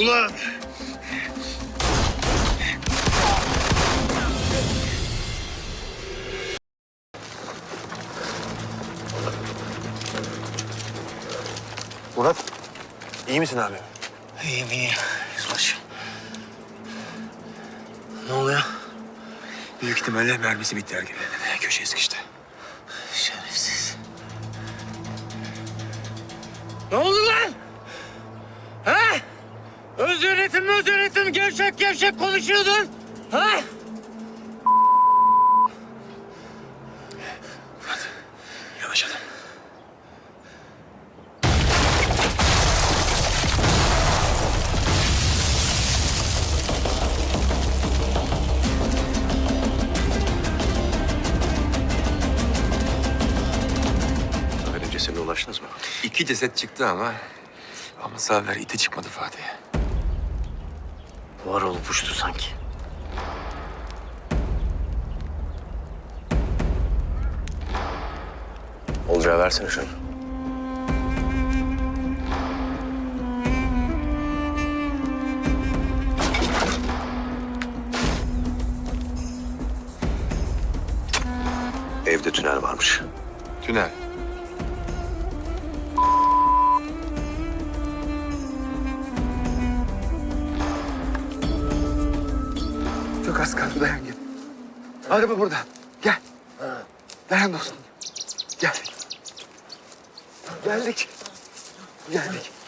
Ulan! Murat, iyi misin abi? İyiyim, iyiyim. Yüzbaşı. Ne oluyor? Büyük ihtimalle mermisi bitti erkeklerin. Köşeye sıkıştı. Şerefsiz. Ne oldu lan? Ha? Öz yönetim gevşek gevşek konuşuyordun. Ha? Murat, yavaş adam. Zafer'in cesedine ulaştınız mı? 2 ceset çıktı ama Zafer iti çıkmadı Fatih'e. Var olup uçtu sanki. Olacağı versene şunu. Evde tünel varmış. Tünel. Çok az kaldı, dayan gel. Araba burada. Gel. Dayan dostum. Geldik. Geldik. Geldik.